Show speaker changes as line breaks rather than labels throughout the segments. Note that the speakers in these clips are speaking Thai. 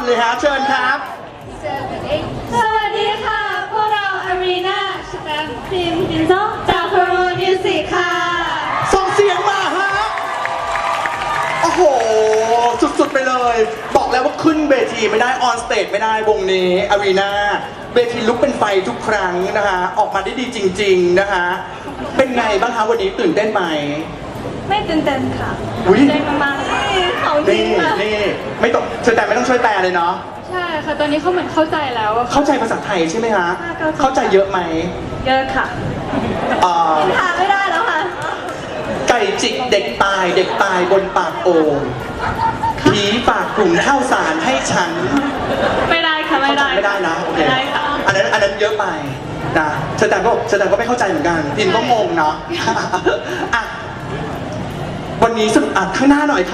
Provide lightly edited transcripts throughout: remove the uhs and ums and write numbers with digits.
เลยฮะเชิญครับ
สวัสดีค่ะ พวกเราอารีนาสแตมป์พิมพ์ดินซอจากโคโรมิวสิกค่ะ
ส่งเสียงมาฮะ โอ้โห สุดๆไปเลย บอกแล้วว่าขึ้นเวทีไม่ได้ออนสเตจไม่ได้วงนี้อารีนาเวทีลุกเป็นไฟทุกครั้งนะคะออกมาได้ดีจริงๆนะคะเป็นไงบ้างคะวันนี้ตื่นเต้นไหม
ไม่ตื่นเต้นค่ะ
อุ๊ย
ใจมากๆเลยเขาจริง
นี่
ค่ะ
นี่ไม่ต้องเชิญแต่ไม่ต้องช่วยแปลเลยเนาะ
ใช่ค่ะ ตอนนี้เขาเหมือนเข้าใจแล้วอะค่ะ
เข้าใจภาษาไทยใช่ไหมฮะ
เข้าใจ
เข้าใจเยอะไหม
เยอะค่ะ ทานไม่ได้แล้วค่ะ
ไก่จิกเด็กตายเด็กตายบนปากโอ่งผีฝากกลุ่มข้าวสารให้ฉัน
ไม่ได้ค่ะ ไม่ได้
ไม่ได้นะโอเค
ไม่ได้ค่ะ
อันนั้นเยอะไปนะเชอแตมก็ไม่เข้าใจเหมือนกันพิมก็งงเนาะ อ่ะวันนี้สรุปอ่ะข้างหน้าหน่อย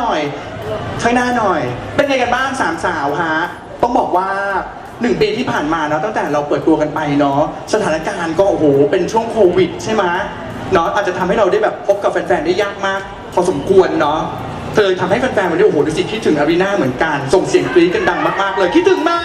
เป็นไงกันบ้างสามสาวฮะต้องบอกว่า1 ปีที่ผ่านมาเนาะตั้งแต่เราเปิดตัวกันไปเนาะสถานการณ์ก็โอ้โหเป็นช่วงโควิดใช่ไหมเนาะอาจจะทำให้เราได้แบบพบกับแฟนๆได้ยากมากพอสมควรเนาะเลยทำให้แฟนๆวันนี้โอ้โหดูสิคิดถึงอารีนาเหมือนกันส่งเสียงกรี๊ดกันดังมากๆเลยคิดถึงไหม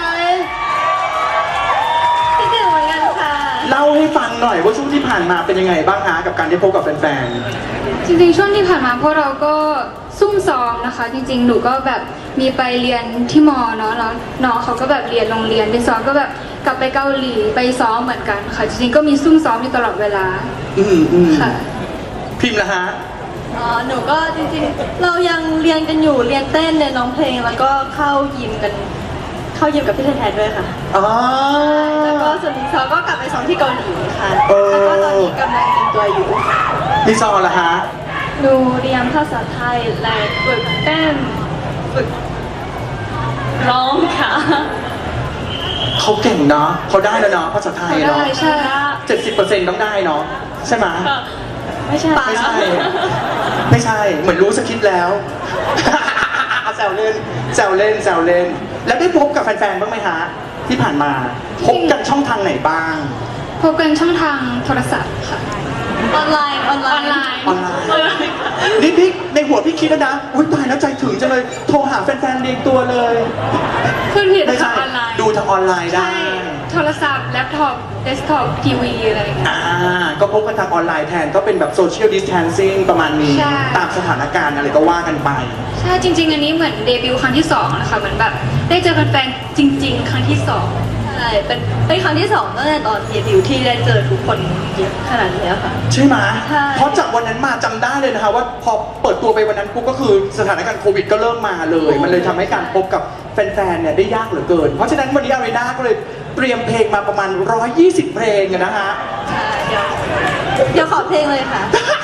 คิดถึงเหมือนกันค่ะ
เล่าให้ฟังหน่อยว่าช่วงที่ผ่านมาเป็นยังไงบ้างฮะกับการได้พบกับแฟน
จริงๆช่วงที่ผ่านมาพวกเราก็ซุ่มซ้อมนะคะ จริงๆหนูก็แบบมีไปเรียนที่มอเนาะแล้วน้องเขาก็แบบเรียนโรงเรียนไปซ้อมก็แบบกลับไปเกาหลีไปซ้อมเหมือนกันค่ะจริงๆก็มีซุ่มซ้อมอยู่ตลอดเวลา
ๆ
ค่ะ
พิมพ์ละฮะ
หนูก็จริงๆ เรายังเรียนกันอยู่ เรียนเต้นเรียนร้องเพลง แล้วก็เข้ายิมกับพี่แทนด้วยค่ะ
อ๋อ
แล้วก็ส่วนที่สองก็กลับไปซ้อมที่เกาหลีค่ะ
เออ
แล้วก็ตอนนี้กำลังเตรียมตัวอยู่
พี่ซอละฮะ
หนูเรียนภาษาไทยและฝึกเต้นฝึกร้องค่ะ
เขาเก่งเนาะเขาได้แล้วเนาะภาษาไทยเนาะ
เขาได้ใช่
70%ต้องได้เนาะใช่ไหม
ไม่ใช่
ไม่ใช่ ไม่ใช่ เหมือนรู้สคริปต์แล้ว แซวเล่น แล้วได้พบกับแฟนๆบ้างไหมฮะที่ผ่านมาพบกันช่องทางไหนบ้าง
พบกันช่องทางโทรศัพท์ค่ะ
ออนไลน์
ออนไลน์
ออนไลน์นี่พี่ในหัวพี่คิดแล้วนะอุ้ยตายแล้วใจถึงจังเลยโทรหาแฟนๆเรียงตัวเลย
ขึ้นผิด
ไม่
ค่ะ
ใช่
ออนไลน์
ดูทางออนไลน์ได้
ใช่โทรศัพท์แล็ปท็อปเดสก์ท็อปทีวีอะไรอย่างเงี้ย
ก็พบกันทางออนไลน์แทนก็เป็นแบบโซเชียลดิสแทนซิ่งประมาณนี้
ใช่
ตามสถานการณ์อะไรก็ว่ากันไป
ใช่จริง ๆ อันนี้เหมือนเดบิวต์ครั้งที่2นะคะเหมือนแบบได้เจอแฟนๆจริง ๆ ครั้งที่2
ใช่เป็นครั้งที่สองตั้งแต่ตอนเดบิวต์ที่ได้เจอทุกคนเยอะขนาดนี้ค่ะ
ใช่ไหม
ใช่
เพราะจากวันนั้นมาจำได้เลยนะคะว่าพอเปิดตัวไปวันนั้นปุ๊บก็คือสถานการณ์โควิดก็เริ่มมาเลย มันเลยทำให้การพบกับแฟนๆเนี่ยได้ยากเหลือเกิน เพราะฉะนั้นวันนี้อารีนาก็เลยเตรียมเพลงมาประมาณ120 เพลงอะนะฮะ
ใช่เดี๋ยวขอเพลงเลยค่ะ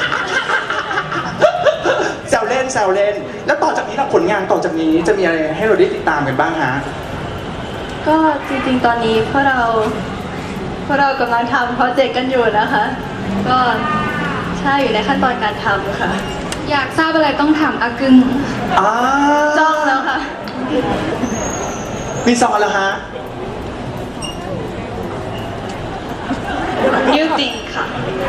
แซวเล่น แล้วต่อจากนี้ล่ะผลงานต่อจากนี้จะมีอะไรให้เราได้ติดตามกันบ้างฮะ
ก็จริงๆ ตอนนี้พวกเรากำลังทำโปรเจกต์กันอยู่นะคะ ก็ใช่อยู่ในขั้นตอนการทำค่ะ
อยากทราบอะไรต้องถามอากึง
จ้องแล้วค่ะ
มีซอนแล้วฮะ
New Thing ค่ะ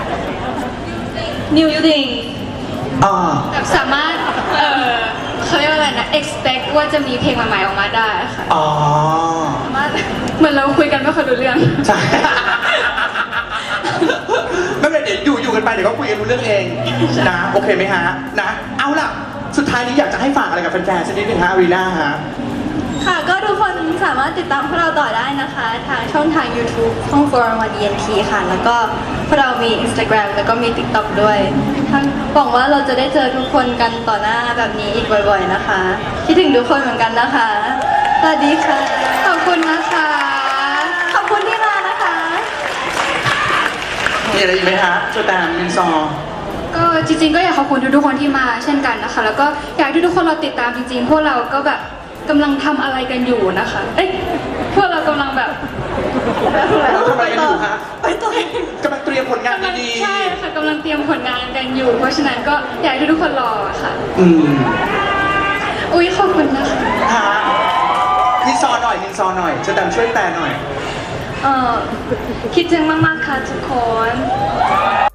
New Thing
อ่า
แบบสามารถเขาเรียกว่าอะไรนะ expect ว่าจะมีเพลงใหม่ๆออกมาได้ค่ะ
อ๋อ
สามารถ
เหมือนเราคุยกันไม่ค่อยรู้เรื่อง
ใช่ ไม่เป็นไรเดี๋ยวอยู่กันไปเดี๋ยวก็คุยกันรู้เรื่องเองนะโอเคไหมฮะนะเอาล่ะสุดท้ายนี้อยากจะให้ฝากอะไรกับแฟนๆสักนิดนึงฮะอารีนาฮะ
ค่ะ ก็ทุกคนสามารถติดตามพวกเราต่อได้นะคะ ทางช่องทาง YouTube ช่อง 411 ENT ค่ะ แล้วก็พวกเรามี Instagram แล้วก็มี TikTok ด้วยทั้งหวังว่าเราจะได้เจอทุกคนกันต่อหน้าแบบนี้อีกบ่อยๆนะคะ คิดถึงทุกคนเหมือนกันนะคะ สวัสดีค่ะ
ขอบคุณนะคะ
ขอบคุณที่มานะคะ
มีอะไรอีกไหมฮะโจแตมมินซอ
ก็จริงๆก็อยากขอบคุณทุกๆคนที่มาเช่นกันนะคะ แล้วก็อยากให้ทุกคนเราติดตามจริงๆ พวกเราก็แบบกำลังทำอะไรกันอยู่นะคะ เอ้ยพวกเรากำลังแบบ
เราทำอะไรกันอยู่ฮะ
ไปต่อ
กำลังเตรียมผลงาน
กำลัง
ดี
ใช่ค่ะกำลังเตรียมผลงานกันอยู่ เพราะฉะนั้นก็อยากให้ทุกคนรอค่ะ
ๆ
อุ๊ยขอบคุณนะคะ
ฮะมินซอหน่อยโจแตมช่วยแปลหน่อย
คิดถึงมากๆค่ะทุกคน